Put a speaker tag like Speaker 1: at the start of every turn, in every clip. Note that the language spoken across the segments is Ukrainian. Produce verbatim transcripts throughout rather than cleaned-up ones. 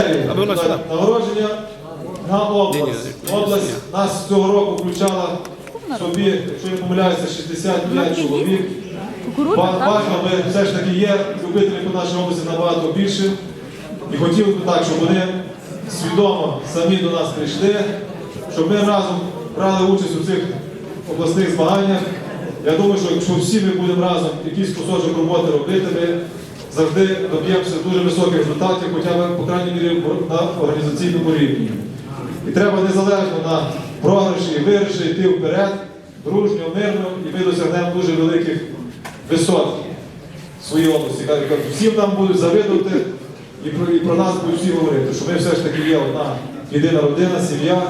Speaker 1: Нагородження на область. Область нас цього року включала собі, якщо не помиляюся, шістдесят п'ять чоловік. Важно, ми все ж таки є любителів по нашій області набагато більше. І хотів би так, щоб вони свідомо самі до нас прийшли, щоб ми разом брали участь у цих обласних змаганнях. Я думаю, що якщо всі ми будемо разом якийсь кусочок роботи робити, ми завжди доб'ємося дуже високих результатів, хоча б, по крайній мірі, на організаційному рівні. І треба незалежно на програші і виграші йти вперед, дружньо, мирно, і ми досягнемо дуже великих висот в своїй області. Всім нам будуть завидувати і про, і про нас будуть всі говорити, що ми все ж таки є одна єдина родина, сім'я.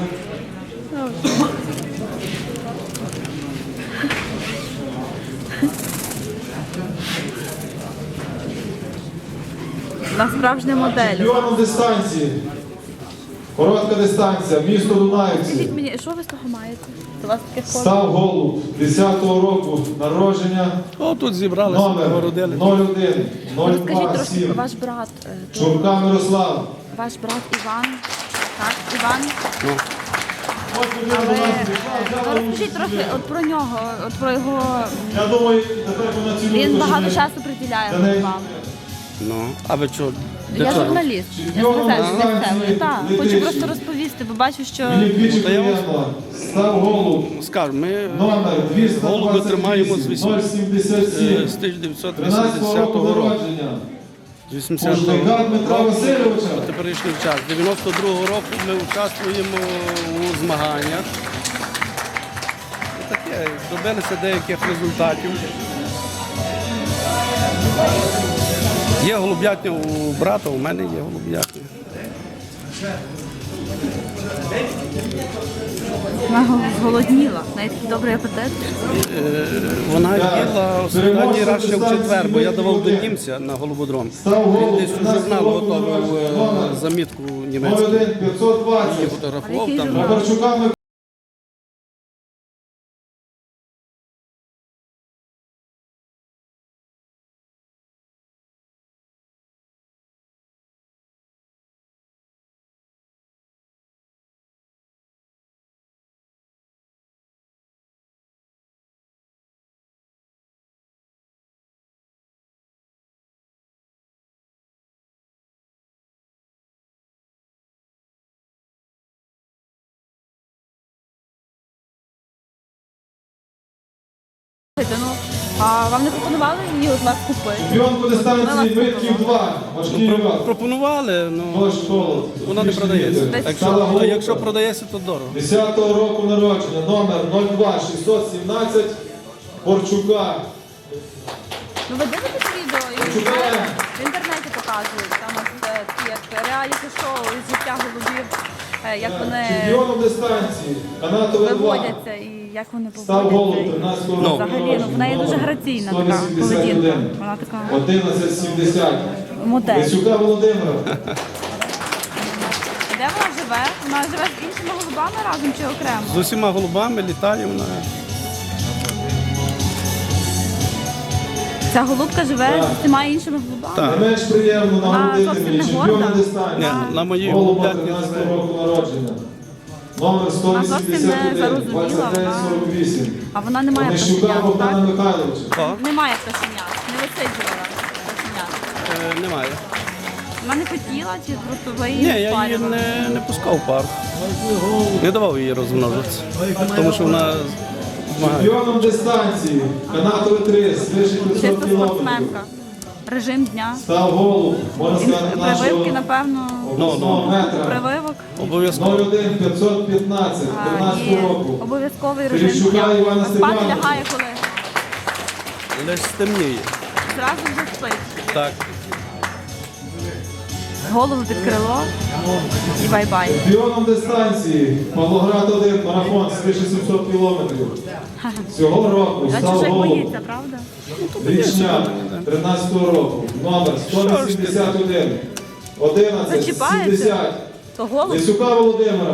Speaker 2: На справжню модель.
Speaker 1: Чемпіоном дистанції. Коротка дистанція, місто Дунаївці.
Speaker 2: Скажіть мені, що ви з того маєте? У вас таке форма?
Speaker 1: Став Голуб, десятого року народження.
Speaker 3: О, тут зібралися,
Speaker 1: Номер
Speaker 3: нагородили.
Speaker 1: нуль один нуль
Speaker 2: Розкажіть
Speaker 1: два
Speaker 2: трошки,
Speaker 1: сім.
Speaker 2: ваш брат, е, то-
Speaker 1: Чурка Мирослав.
Speaker 2: ваш брат Іван, так, Іван,
Speaker 3: Ну,
Speaker 1: Ось людина
Speaker 2: але
Speaker 1: до нас
Speaker 2: е,
Speaker 1: прийшла,
Speaker 2: то
Speaker 1: взяла
Speaker 2: розкажіть
Speaker 1: участь
Speaker 2: трохи
Speaker 1: у
Speaker 2: от про нього, от про його,
Speaker 1: Я думаю, тепер вона цілує.
Speaker 2: він
Speaker 1: що
Speaker 2: багато
Speaker 1: ми-
Speaker 2: часу приділяє
Speaker 1: за неї-
Speaker 2: вам.
Speaker 3: ну, а ви що?
Speaker 2: Я журналіст, я
Speaker 1: Чемпіоном
Speaker 2: сказала,
Speaker 1: дистанції
Speaker 2: місцевий, так, хочу
Speaker 1: Летичі.
Speaker 2: просто розповісти, бо бачу, що
Speaker 1: Мені двічі
Speaker 3: Ну, та я вам-
Speaker 1: приємно. Став Голуб.
Speaker 3: Скажу, ми
Speaker 1: Номер
Speaker 3: Голуби тримаємо з
Speaker 1: двісті двадцять вісім нуль сімдесят
Speaker 3: е,
Speaker 1: сім.
Speaker 3: з тисяча дев'ятсот
Speaker 1: тринадцятого року
Speaker 3: вісімдесятого року.
Speaker 1: народження.
Speaker 3: З вісімдесятого
Speaker 1: Пушника Дмитра
Speaker 3: року
Speaker 1: Васильовича.
Speaker 3: по теперішній час. З дев'яносто другого року ми участвуємо у змаганнях. І таке, добилися деяких результатів. Є голуб'ятня у брата, у мене є голуб'ятня.
Speaker 2: вона зголодніла, навіть добрий апетит.
Speaker 3: Е, Вона їла останній раз ще в четвер, бо я давав до німця на голубодром. Він десь у журнал готував е, замітку
Speaker 1: нуль
Speaker 3: німецьку.
Speaker 1: один п'ятсот
Speaker 3: І
Speaker 1: двадцять.
Speaker 3: фотографував
Speaker 2: А який
Speaker 3: там.
Speaker 2: журнал?
Speaker 1: Макарчука Микола.
Speaker 2: Ну, а вам не пропонували її от вас купити?
Speaker 1: Чемпіон по дистанції Митків два. Важкий льот.
Speaker 3: Пропонували, ну
Speaker 1: Нож школу.
Speaker 3: вона не продається.
Speaker 2: Десь
Speaker 3: Так
Speaker 1: Стала
Speaker 3: що, а
Speaker 1: голубка.
Speaker 3: якщо продається, то дорого.
Speaker 1: десятого року народження. Номер нуль два шістсот сімнадцять. Борчука.
Speaker 2: Ну ви дивитесь відео і
Speaker 1: Шукаємо.
Speaker 2: в інтернеті показують, там от, е, такі як реаліті-шоу із життя голубів, е, як вони
Speaker 1: Чемпіоном дистанції. Канатове два.
Speaker 2: виводяться і як вони
Speaker 1: Став Голуб
Speaker 2: поводяться.
Speaker 1: тринадцятого
Speaker 3: Ну.
Speaker 1: року
Speaker 2: Взагалі, ну, в неї дуже
Speaker 1: Номер
Speaker 2: граційна
Speaker 1: сто
Speaker 2: така
Speaker 1: вісімдесят
Speaker 2: поведінка.
Speaker 1: один.
Speaker 2: Вона така
Speaker 1: одинадцять сімдесят.
Speaker 2: модель.
Speaker 1: Лисюка Володимира.
Speaker 2: Де вона живе? Вона живе з іншими голубами разом чи окремо?
Speaker 3: З усіма голубами літає вона.
Speaker 2: Ця голубка живе
Speaker 1: Так.
Speaker 2: з усіма іншими голубами.
Speaker 3: Так.
Speaker 1: Не менш приємно
Speaker 2: Вона
Speaker 1: нагородити
Speaker 2: зовсім
Speaker 1: мені
Speaker 2: не
Speaker 1: чемпіона
Speaker 2: горда.
Speaker 1: дистанції.
Speaker 3: Ні, на моїй
Speaker 1: Голуба
Speaker 3: голуб'ятні
Speaker 1: тринадцятого
Speaker 3: живе.
Speaker 1: року народження. Номер сто
Speaker 2: Вона зовсім
Speaker 1: вісімдесят
Speaker 2: не
Speaker 1: один,
Speaker 2: зарозуміла,
Speaker 1: двадцять дев'ять сорок вісім.
Speaker 2: А вона не має
Speaker 1: Онищука
Speaker 2: пташенят,
Speaker 1: Богдана
Speaker 2: так?
Speaker 1: Михайловича.
Speaker 3: Так,
Speaker 2: Немає пташенят, не висиджувала пташенят.
Speaker 3: е, немає.
Speaker 2: Вона не хотіла чи просто ви
Speaker 3: Ні,
Speaker 2: її
Speaker 3: я її
Speaker 2: спарювали?
Speaker 3: не, не пускав в парк. Не давав їй розмножитися. Тому що вона змагає.
Speaker 1: Чемпіоном дистанції. Канатове три, свише п'ятсот
Speaker 2: Чисто
Speaker 1: кілометрів.
Speaker 2: спортсменка. Режим дня.
Speaker 1: Став Голуб, можна сказати,
Speaker 2: Прививки,
Speaker 1: нашого
Speaker 2: напевно,
Speaker 1: обласного метра.
Speaker 2: прививок.
Speaker 3: Обов'язково.
Speaker 1: нуль один п'ятсот п'ятнадцять,
Speaker 2: А, і
Speaker 1: тринадцятого року.
Speaker 2: обов'язковий режим
Speaker 1: Терещука
Speaker 2: дня.
Speaker 1: Івана
Speaker 2: Спати
Speaker 1: Степановича.
Speaker 2: лягає коли?
Speaker 3: Лише стемніє.
Speaker 2: Зразу вже спить.
Speaker 3: Так.
Speaker 2: Голову під крило і бай-бай.
Speaker 1: Чемпіоном дистанції. Павлоград один, марафон, свише сімсот кілометрів. Цього року
Speaker 2: А
Speaker 1: став
Speaker 2: чужих
Speaker 1: Голуб.
Speaker 2: боїться, правда?
Speaker 1: Річня тринадцятого року. Номер сто вісімдесят один, одинадцять
Speaker 2: Зачіпається?
Speaker 1: сімдесят.
Speaker 2: То голуб.
Speaker 1: Лисюка Володимира.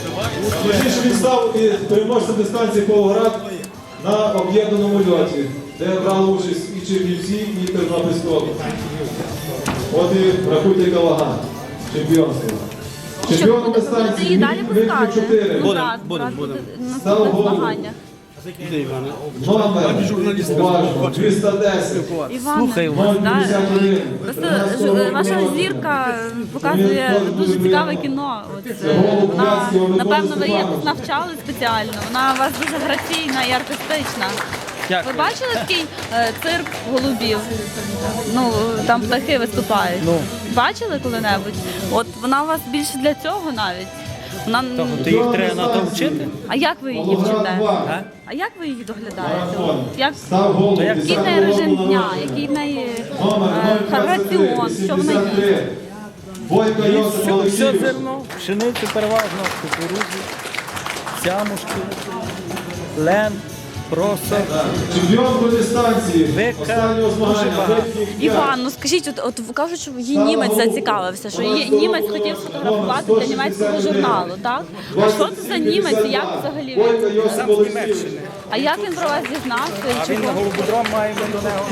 Speaker 1: Пізніше він став і переможцем дистанції Павлоград на об'єднаному льоті. де брали участь і Чернівці, і Тернопільського. От і рахуйте Калаган, чемпіонство. Чемпіоном
Speaker 2: Будете
Speaker 1: дистанції
Speaker 2: її далі
Speaker 1: вік
Speaker 2: пускати?
Speaker 1: чотири.
Speaker 2: Ну,
Speaker 3: Будем,
Speaker 2: брат,
Speaker 3: будем,
Speaker 2: брат
Speaker 3: будем.
Speaker 2: буде на
Speaker 1: Став
Speaker 2: наступних
Speaker 1: голову.
Speaker 2: змаганнях.
Speaker 3: Де Іване?
Speaker 1: Номер, уважно, двісті десять.
Speaker 2: Іван,
Speaker 3: Слухай, Іван.
Speaker 1: ноль
Speaker 2: да,
Speaker 1: п'ятдесят один.
Speaker 2: просто ж- ваша зірка показує дуже цікаве кіно. От, е, вона, напевно, ви її якось навчали спеціально. Вона у вас дуже граційна і артистична.
Speaker 3: Дякую.
Speaker 2: Ви бачили такий е, цирк голубів? Ну, там птахи виступають.
Speaker 3: Ну.
Speaker 2: Бачили коли-небудь? От вона у вас більше для цього навіть. Вона...
Speaker 3: Ти їх треба на то вчити?
Speaker 2: А як ви її
Speaker 1: Волгоград
Speaker 2: вчите?
Speaker 1: два.
Speaker 3: А?
Speaker 2: А як ви її доглядаєте?
Speaker 1: Марафон.
Speaker 2: Як...
Speaker 1: Став голову.
Speaker 3: Та як-
Speaker 2: Який в неї режим дня, який в неї
Speaker 1: Номер
Speaker 2: е, раціон, що вона їсть?
Speaker 1: Бойко Йосип
Speaker 4: Все, все
Speaker 1: Олексійович.
Speaker 4: зерно, пшеницю переважно, кукурудзу, сямушки, лен, просо.
Speaker 1: Чемпіон по дистанції.
Speaker 4: Века.
Speaker 1: Останнього змагання.
Speaker 4: Дуже багато.
Speaker 1: Вихідних п'ять.
Speaker 2: Іван, ну скажіть, от, от кажуть, що її німець зацікавився, що її німець хотів сфотографувати для німецького журналу, так? А що це за німець і як взагалі?
Speaker 1: Бойко
Speaker 2: він?
Speaker 1: Йосип
Speaker 4: Сам з
Speaker 1: Олексійович.
Speaker 4: Німеччини.
Speaker 2: А як він про вас дізнався
Speaker 4: А
Speaker 2: і
Speaker 4: він на
Speaker 2: чого?
Speaker 4: голубодром має до нього.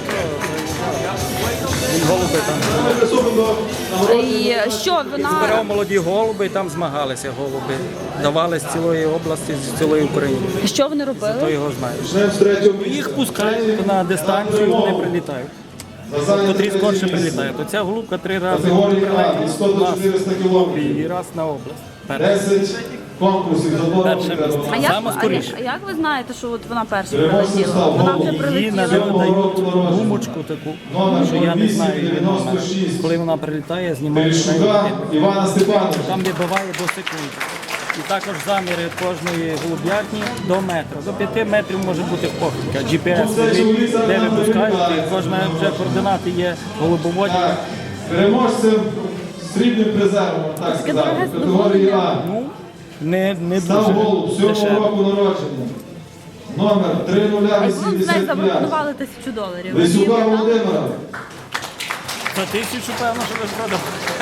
Speaker 4: Він голуби там.
Speaker 1: Ми приступимо до нагородження.
Speaker 2: І що
Speaker 4: Збирав
Speaker 2: вона
Speaker 4: молоді голуби і там змагалися голуби. Давали з цілої області, з цілої України.
Speaker 2: що вони
Speaker 4: Хто
Speaker 2: робили?
Speaker 4: його знає.
Speaker 1: Почнемо з третього місця.
Speaker 4: Їх пускають на дистанцію, вони прилітають.
Speaker 1: На зайняте
Speaker 4: Котрі скорше
Speaker 1: третє місце.
Speaker 4: прилітають. Оця голубка три рази
Speaker 1: Категорії А
Speaker 4: прилетіла
Speaker 1: від сто
Speaker 4: в
Speaker 1: до
Speaker 4: нас
Speaker 1: чотириста кілометрів.
Speaker 4: і раз на область. Перше.
Speaker 1: десять конкурсів за два
Speaker 4: Перше
Speaker 1: роки.
Speaker 4: місце.
Speaker 2: А як,
Speaker 4: Саме
Speaker 2: а, як,
Speaker 4: скоріше.
Speaker 2: а як ви знаєте, що от вона перша
Speaker 1: Переможцем
Speaker 2: прилетіла?
Speaker 1: став
Speaker 2: Вона вже
Speaker 1: Голуб.
Speaker 4: Їй
Speaker 2: прилетіла.
Speaker 4: навіть
Speaker 1: Сьомого
Speaker 4: дають
Speaker 1: року народження.
Speaker 4: гумочку таку,
Speaker 1: Номер
Speaker 4: що я не знаю її номер.
Speaker 1: дев'яносто шість.
Speaker 4: Коли вона прилітає, знімає
Speaker 1: Терещука Івана Степановича.
Speaker 4: там вибиває до секунди. І також заміри кожної голуб'ятні до метра. До п'яти метрів може бути похибка. джі пі ес, де випускають, і кожна вже координати є голубоводні.
Speaker 1: Так, переможцем срібним призером, так
Speaker 2: Таке
Speaker 1: сказати,
Speaker 2: дороге
Speaker 1: в категорії А.
Speaker 4: Ну, не, не
Speaker 1: Став
Speaker 4: дуже
Speaker 1: голуб сьомого
Speaker 4: дешево.
Speaker 1: року народження. Номер три нуль
Speaker 2: А яку вам з неї
Speaker 1: вісімдесят п'ять.
Speaker 2: запропонували тисячу доларів? Ви
Speaker 1: Лисюка
Speaker 2: її віддали?
Speaker 1: Володимира.
Speaker 4: За тисячу, певно, що ви продав.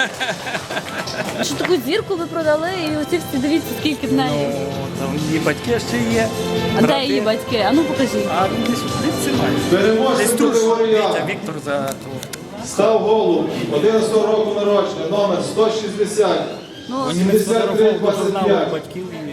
Speaker 2: Що таку зірку ви продали, і оці всі дивіться, скільки в неї.
Speaker 4: Там її батьки ще є.
Speaker 2: А де
Speaker 4: брати.
Speaker 2: її батьки? А ну покажіть.
Speaker 4: А десь десь це має. Десь
Speaker 1: Переможцем
Speaker 4: тут
Speaker 1: категорії
Speaker 4: Вітя,
Speaker 1: А.
Speaker 4: Віктор за того.
Speaker 1: Став голуб одинадцятого року народження. Номер сто шістдесят.
Speaker 2: Ну,
Speaker 4: Вони
Speaker 1: сімдесят три
Speaker 4: фотографували до
Speaker 1: двадцять
Speaker 4: журналу
Speaker 1: п'ять.
Speaker 4: батьків і